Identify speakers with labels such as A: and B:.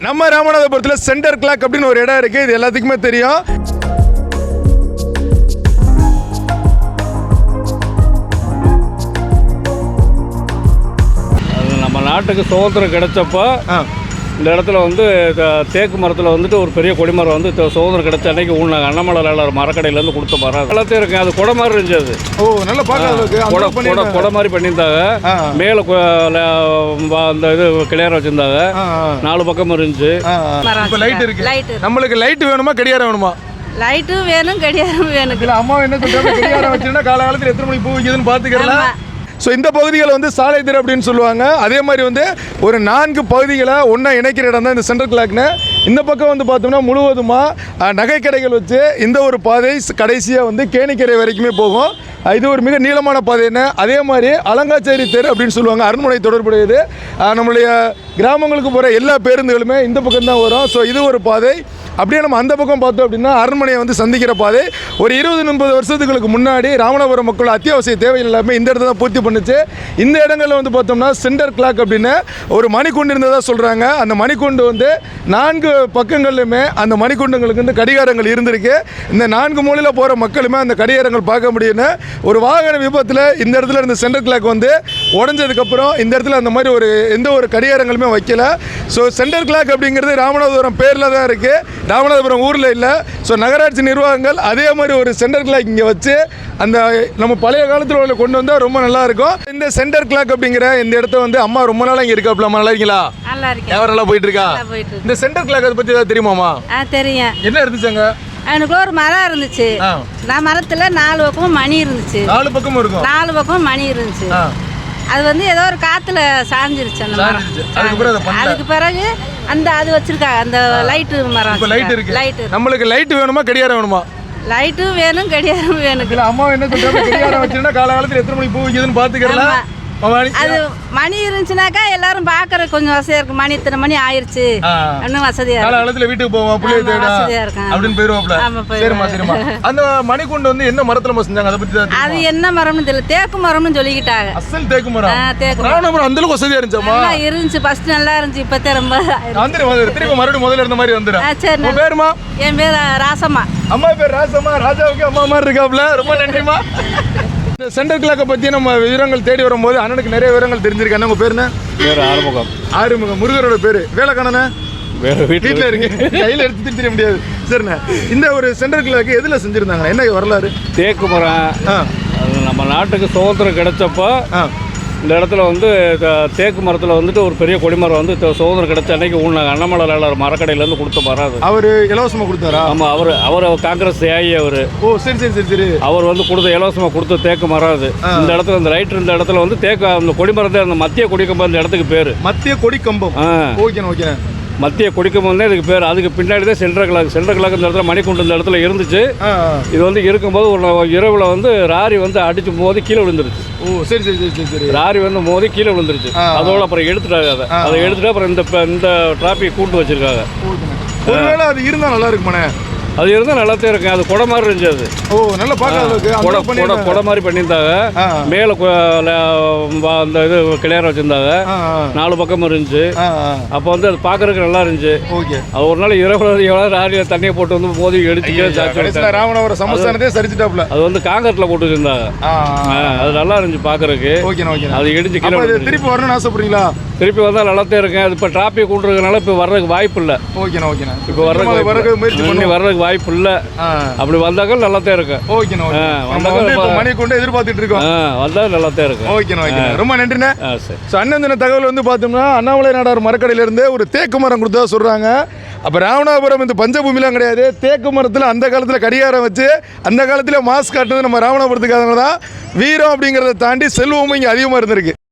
A: நம்ம ராமநாதபுரத்தில் center clock அப்படின்னு ஒரு இடம் இருக்குது. இது எல்லாத்துக்குமே தெரியும்.
B: நம்ம நாட்டுக்கு சுதந்திரம் கிடைச்சப்போ இந்த இடத்துல வந்து தேக்கு மரத்தில் வந்துட்டு ஒரு பெரிய கொடிமரம் வந்து சுதந்திரம் கிடைச்ச அன்னைக்கு ஊனாங்க. அண்ணாமலை மரக்கடையிலேருந்து கொடுத்த மரம் எல்லாத்தையும் இருக்கு. அது கொடை மாதிரி இருந்துச்சு. அது
A: நல்லா
B: கொடை மாதிரி பண்ணியிருந்தாங்க. மேலே அந்த இது கிளியாரம் வச்சுருந்தாங்க. 4 பக்கம் இருந்துச்சு.
A: லைட் இருக்கு. நம்மளுக்கு லைட் வேணுமா கடிகாரம் வேணுமா?
C: லைட்டும் வேணும் கடிகாரம் வேணும்.
A: இல்லை அம்மா என்ன சொல்கிறாங்க, கடிகாரம் வச்சுருந்தா காலகாலத்தில் எத்தனை மணிக்கு பூ வைக்குதுன்னு பார்த்துக்கலாம். ஸோ இந்த பகுதிகளை வந்து சாலை தெரு அப்படின்னு சொல்லுவாங்க. அதே மாதிரி வந்து ஒரு 4 பகுதிகளை ஒன்றா இணைக்கிற இடம் தான் இந்த சென்ட்ரல் கிளாக்னு. இந்த பக்கம் வந்து பார்த்தோம்னா முழுவதுமாக நகைக்கடைகள் வச்சு இந்த ஒரு பாதை கடைசியாக வந்து கேணிக்கரை வரைக்குமே போகும். இது ஒரு மிக நீளமான பாதைன்னு. அதே மாதிரி அலங்காச்சேரி தெரு அப்படின்னு சொல்லுவாங்க. அரண்மனை தொடர்புடையது. நம்மளுடைய கிராமங்களுக்கு போகிற எல்லா பேருந்துகளுமே இந்த பக்கம் தான் வரும். ஸோ இது ஒரு பாதை. அப்படியே நம்ம அந்த பக்கம் பார்த்தோம் அப்படின்னா அரண்மனையை வந்து சந்திக்கிற பாதை. ஒரு 20-30 வருஷத்துக்கு முன்னாடி ராமநாதபுரம் மக்கள் அத்தியாவசிய தேவைகள் எல்லாமே இந்த இடத்துல தான் பூர்த்தி பண்ணுச்சு. இந்த இடங்களில் வந்து பார்த்தோம்னா சென்டர் கிளாக் அப்படின்னு ஒரு மணிக்கூண்டு இருந்ததாக சொல்கிறாங்க. அந்த மணிக்கூண்டு வந்து 4 பக்கங்கள்லையுமே அந்த மணிக்கூண்டுங்களுக்கு வந்து கடிகாரங்கள் இருந்திருக்கு. இந்த 4 மூலையில் போகிற மக்களுமே அந்த கடிகாரங்கள் பார்க்க முடியும்னு. ஒரு வாகன விபத்தில் இந்த இடத்துல இந்த சென்டர் கிளாக் வந்து உடஞ்சதுக்கப்புறம் இந்த இடத்துல அந்த மாதிரி எந்த ஒரு கடிகாரங்களுமே வைக்கல. ஸோ சென்டர் கிளாக் அப்படிங்கிறது ராமநாதபுரம் பேரில் தான் இருக்குது, ராமநாதபுரம் ஊரில் இல்லை. ஸோ நகராட்சி நிர்வாகங்கள் அதே மாதிரி ஒரு சென்டர் கிளாக் இங்கே வச்சு அந்த நம்ம பழைய காலத்தில் உள்ள கொண்டு வந்தால் ரொம்ப நல்லாயிருக்கும். இந்த சென்டர் கிளாக் அப்படிங்கிற இந்த இடத்த வந்து அம்மா ரொம்ப நாளாக இங்கே இருக்காப்ல. நல்லா இருக்கீங்களா? எவரெல்லாம் போயிட்டு இருக்கா? இந்த சென்டர் கிளாக் அதை பற்றி ஏதாவது தெரியுமாமா?
C: தெரியும்.
A: என்ன இருந்துச்சுங்க?
C: எனக்கு ஒரு மரம் இருந்துச்சு. நான் மரத்தில் 4 பக்கமும் மணி இருந்துச்சு.
A: 4 பக்கமும் இருக்கும்.
C: 4 பக்கமும் மணி இருந்துச்சு. அது வந்து ஏதோ ஒரு காத்துல சாஞ்சிருச்சு அந்த மரம். அதுக்கு பிறகு அது வச்சிருக்காங்க அந்த லைட்டு மரம்.
A: லைட் இருக்கு. நம்மளுக்கு லைட் வேணுமா கடிகாரம் வேணுமா?
C: லைட்டும் வேணும் கடிகாரம் வேணும்.
A: இல்லை அம்மா என்ன சொல்றாங்க, கடிகாரம் வச்சிருந்தா காலகாலத்தில் எத்தனை மணிக்கு பூ வைக்குதுன்னு பார்த்துக்கலாம்.
C: அது மணி இருந்துச்சுனாக்கா எல்லாரும் பாக்குற கொஞ்சம் வசதியா இருக்கும். மணி இத்தனை மணி ஆயிருச்சு இன்னும் வசதியா
A: இருக்கும். காலகாலத்துல வீட்டுக்கு போவோம் பிள்ளைய தேட அப்படின்னு போயிருவாப்ல. சரிம்மா சரிம்மா. அந்த மணிக்கூண்டு வந்து என்ன மரத்துல செஞ்சாங்க அதை பத்தி?
C: அது என்ன மரம்னு தெரியல. தேக்கு மரம்னு சொல்லிக்கிட்டாங்க.
A: அசல் தேக்கு மரம்.
C: தேக்கு
A: மரம் அந்த அளவுக்கு வசதியா இருந்துச்சாமா?
C: இருந்துச்சு. ஃபர்ஸ்ட் நல்லா இருந்துச்சு. இப்பத்தே ரொம்ப
A: திருப்பி மறுபடியும் முதல்ல இருந்த மாதிரி வந்துடும்.
C: சரி.
A: உன் பேருமா?
C: என் பேர் ராசம்மா.
A: அம்மா பேர் ராசம்மா. ராஜாவுக்கு அம்மா மாதிரி இருக்காப்ல. ரொம்ப நன்றிமா. இந்த சென்டர் கிளாக்கை பற்றி நம்ம விவரங்கள் தேடி வரும்போது அண்ணனுக்கு நிறைய விவரங்கள் தெரிஞ்சிருக்காங்க. உங்கள் பேருண்ணே?
B: பேர் ஆறுமுகம்.
A: ஆறுமுகம். முருகரோட பேர் வேலைக்கானண்ணே? வீட்டில் இருக்கு, கையில் எடுத்து தெரிய முடியாது. சரிண்ணே, இந்த ஒரு சென்டர் கிளாக்கு எதில் செஞ்சுருந்தாங்க, என்ன வரலாறு?
B: தேக்கு மரம். நம்ம நாட்டுக்கு சுதந்திரம் கிடைச்சப்போ இந்த இடத்துல வந்து தேக்கு மரத்தில் வந்துட்டு ஒரு பெரிய கொடிமரம் வந்து சுதந்திரம் கிடைச்ச அன்னைக்கு ஊனாங்க. அண்ணாமலை மரக்கடையிலேருந்து கொடுத்த மரம். அது அவர்
A: இலவசமாக கொடுத்தாரா?
B: ஆமாம், அவர் காங்கிரஸ் ஏஐ. அவர்
A: சரி சரி சரி சரி.
B: அவர் வந்து இலவசமாக கொடுத்த தேக்கு மரம். அது இந்த இடத்துல இந்த ரைட் இந்த இடத்துல வந்து தேக்கு அந்த கொடிமரத்தை அந்த மத்திய கொடிக்கம்பம் இந்த இடத்துக்கு பேர்
A: மத்திய கொடிக்கம்பம். Okay okay.
B: மத்திய கொடிக்கம்பம் தான் இதுக்கு பேர். அதுக்கு பின்னாடி தான் சென்ட்ரல் கிளாக். சென்ட்ரல் கிளாக் இந்த இடத்துல மணிக்கூண்டு இந்த இடத்துல இருந்துச்சு. இது வந்து இருக்கும்போது ஒரு இரவில் வந்து ராரி வந்து அடிச்சு மோதி கீழே விழுந்துருச்சு.
A: சரி சரி சரி சரி.
B: ராரி வந்து மோதி கீழே விழுந்துருச்சு. அதோட அப்புறம் எடுத்துட்டாங்க. அதை எடுத்துட்டு அப்புறம் இந்த டிராபிக் கூட்டு வச்சிருக்காங்க.
A: ஒருவேளை அது இருந்தால் நல்லா இருக்குமாண்ணே?
B: அது இருந்தால் நல்லாத்தான் இருக்கு. அது கொடை மாதிரி இருந்துச்சு. அது
A: நல்லா பார்க்க
B: கொடை மாதிரி பண்ணியிருந்தாங்க. மேலே அந்த இது கிளியாரம் வச்சுருந்தாங்க. 4 பக்கம் இருந்துச்சு. அப்போ வந்து அது பார்க்கறதுக்கு நல்லா இருந்துச்சு. அது ஒரு நாள் இரவு ராரியில் தண்ணியை போட்டு வந்து மோதி எடுத்து
A: ராமநாதபுரம் சமஸ்தானத்தை சரிச்சிட்டாப்ல.
B: அது வந்து காங்கிரட்ல போட்டு வச்சிருந்தாங்க. அது நல்லா இருந்துச்சு பார்க்கறதுக்கு. அது இடிச்சு கீழே.
A: திருப்பி வரணும்னு ஆசைப்படுறீங்களா?
B: திருப்பி வந்தால் நல்லாத்தான் இருக்கேன். அது இப்போ டிராபிக் கூட்டுறதுனால இப்போ வர்றதுக்கு வாய்ப்பு இல்லை. இப்போ வர்றதுக்கு வாய்ப்பு இல்லை. அப்படி வந்தாக்க நல்லா தான் இருக்கு.
A: மணிக்கூண்டு எதிர்பார்த்துட்டு இருக்கோம்.
B: வந்தா நல்லா தான் இருக்கு.
A: ரொம்ப நன்றிண்ணே. அண்ணன் தகவல் வந்து பார்த்தோம்னா அண்ணாமலை நாடார் மரக்கடையிலிருந்து ஒரு தேக்கு மரம் கொடுத்தா சொல்றாங்க. அப்போ ராமநாதபுரம் இந்த பஞ்சபூமிலாம் கிடையாது. தேக்கு மரத்தில் அந்த காலத்தில் கடிகாரம் வச்சு அந்த காலத்தில் மாஸ்க் காட்டுறது நம்ம ராமநாதபுரத்துக்காக தான். வீரம் அப்படிங்கிறத தாண்டி செல்வமும் இங்கே அதிகமாக இருந்திருக்கு.